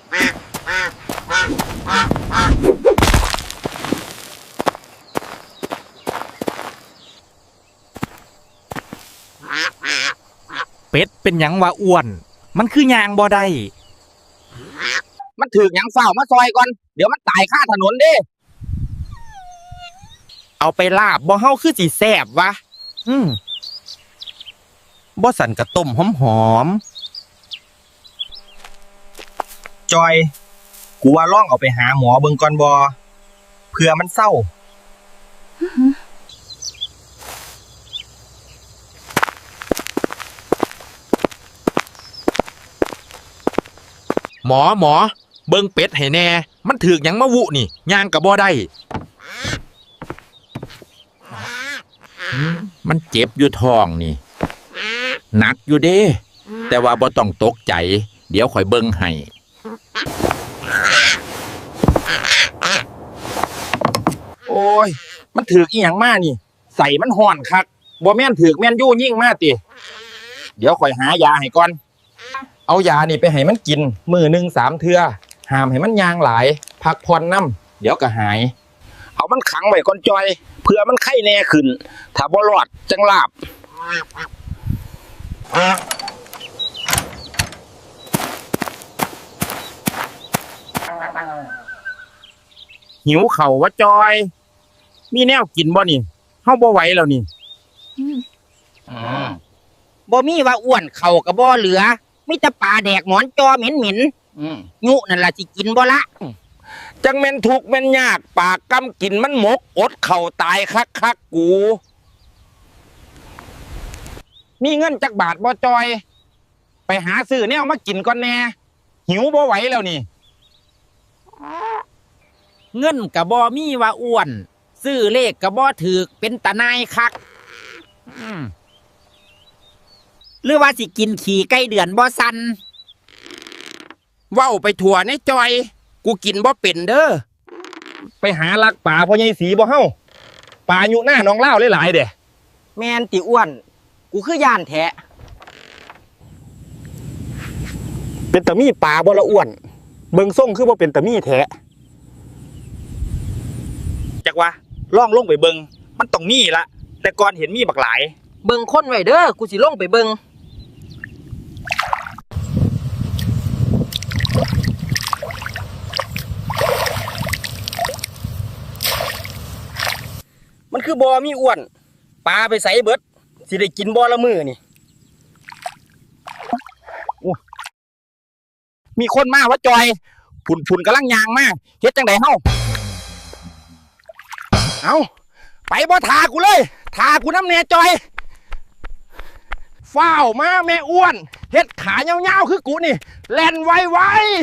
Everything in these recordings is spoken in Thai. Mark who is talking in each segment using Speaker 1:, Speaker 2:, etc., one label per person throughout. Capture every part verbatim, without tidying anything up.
Speaker 1: เป็ดเป็นหยังว่าอ้วนมันคือยางบ่ได้
Speaker 2: มันถือหยังเฝ้ามาซอยก่อนเดี๋ยวมันตายข้าถนนเด้
Speaker 1: เอาไปลาบบ่เฮาคือสิแซ่บวะอืมบ่สั่นกะต้มหอม
Speaker 2: จอยกูว่าลองเอาไปหาหมอเบิ่งก่อนบ่เผื่อมันเศร้า
Speaker 1: หมอหมอเบิ่งเป็ดให้แน่มันถือกหยังมาวุนี่ย่างก็บ่ได้มันเจ็บอยู่ท้องนี่หนักอยู่เด้แต่ว่าบ่ต้องตกใจเดี๋ยวข่อยเบิ่งให้
Speaker 2: โอ้ยมันถือกอีหยังมานี่ใส่มันห่อนคักบ่แม่นถือกแม่นยู่ยิ่งมาติเดี๋ยวข่อยหายาให้ก่อนเอายานี่ไปให้มันกินมื้อหนึ่งสามเทื่อห้ามให้มันยางหลายพักผ่อนน้ำเดี๋ยวก็หายเอามันขังไว้ก่อนจอยเพื่อมันไข้แน่ขึ้นถ้าบ่รอดจังลาบหิวเข่าวะจอยมีแนวกินบ่นี่เฮาบ่ไหวแล้วนี่
Speaker 3: บ่มีว่าอ้วนเข่ากับบ่เหลือมีแต่ปลาแดกหมอนจอเหม็นเหม็นยุนั่นล่ะสิกินบ่ละ
Speaker 2: จังแม่นทุกแม่นยากปากกำกินมันหมกอดเข่าตายคักคักกูมีเงินจักบาทบ่จอยไปหาซื้อแนวมากินก่อนแน่หิวบ่ไหวแล้วนี่
Speaker 3: เงินกับบ่มีว่าอ้วนซื้อเลขกับบ่ถือเป็นตาหนายคักหรือว่าสิกินขี่ไก่เดือนบ่สัน
Speaker 2: เว้าไปถั่วในจอยกูกินบ่เป็นเด้อไปหาลักป่าพ่อใหญ่สีบ่เฮาป่าอยู่หน้าน้องเล่าหลายๆเด้
Speaker 3: แม่นติอ้วนกูคือย่านแท้
Speaker 2: เป็นตะมี่ป่าบ่ละอ้วนเบิ่งส่งคือบ่เป็นตะมี่แท้จักว่าล่องลงไปเบิ่งมันต้องมีละแต่ก่อนเห็นมีบักหลาย
Speaker 3: เบิ่งคนไว้เด้อกูสิลงไปเบิ่ง
Speaker 2: มันคือบ่มีอ้วนปลาไปใส่เบิดสิได้กินบ่ละมื้อนี่มีคนมาวะจอยพุ่นๆกำลังยางมาเฮ็ดจังได๋เฮาเอาไปบ่ทากูเลยทากูน้ำแน่จอยฟ้าวมาแม่อ้วนเฮ็ดขายาวๆคือกูนี่แล่นไว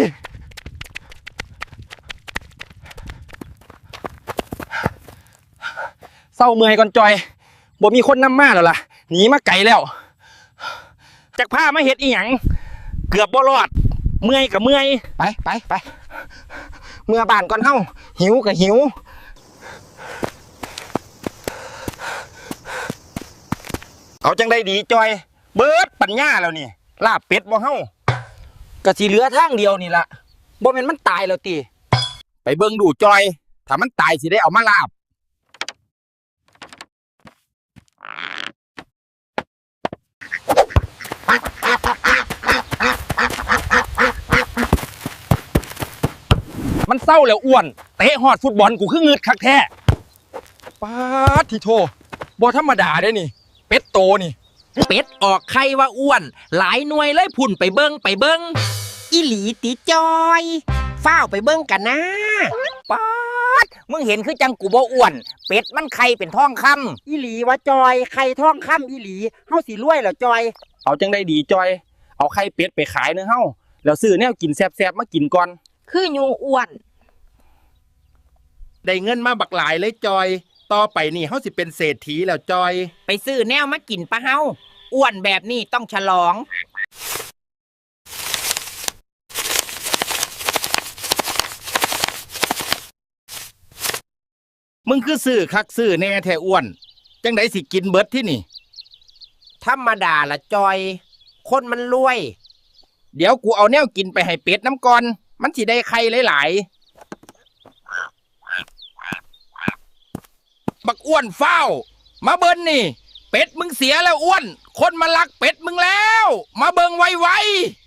Speaker 2: ๆเศร้าเมื่อยก่อนจอยบ่มีคนนำมาแล้วล่ะหนีมาไกลแล้วจักพามาเฮ็ดอีหยังเกือบบ่รอดเมื่อยกับเมื่อยไปไปไปเมื่อบ้านก่อนเฮาหิวกับหิวเอาจังได้ดีจอยเบิดปัญญาแล้วนี่ลาบเป็ดบ่เฮากะสิเหลือทางเดียวนี่ล่ะบ่แม่นมันตายแล้วติไปเบิ่งดูจอยถ้ามันตายสิได้เอามาลาบมันเศร้าแล้วอ้วนเตะฮอดฟุตบอลกูคืองึดคักแท้ป๊าดที่โทบ่ธรรมดาเด้นี่เป็ดโตนี่
Speaker 3: เป็ดออกไข่ว่าอ้วนหลายหน่วยเลยพุ่นไปเบิ่งไปเบิ่งอีหลีติจอยฟ้าวไปเบิ่งกันนะป๊าดมึงเห็นคือจังกูบ่อ้วนเป็ดมันไข่เป็นทองคำอีหลีว่าจอยไข่ทองคำอีหลีเฮาสิรวยแล้วจอย
Speaker 2: เอาจังได้ดีจอยเอาไข่เป็ดไปขายเนื้อเฮาแล้วซื้อแนวกินแซ่บๆมากินก่อน
Speaker 3: คืออยู่อ้วน
Speaker 1: ได้เงินมาบักหลายเลยจอยต่อไปนี่เฮาสิเป็นเศรษฐีแล้วจอย
Speaker 3: ไปซื้อแนวมากินปะเฮาอ้วนแบบนี้ต้องฉลอง
Speaker 1: มึงคือซื้อคักซื้อแน่แท้อ้วนจังไดสิกินเบิดที่นี่
Speaker 3: ธรรมดาละจอยคนมันรวย
Speaker 2: เดี๋ยวกูเอาแนวกินไปให้เป็ดน้ำก่อนมันสิได้ไข่หลายๆบักอ้วนเฝ้ามาเบิ่นนี่เป็ดมึงเสียแล้วอ้วนคนมาลักเป็ดมึงแล้วมาเบิ่งไวๆ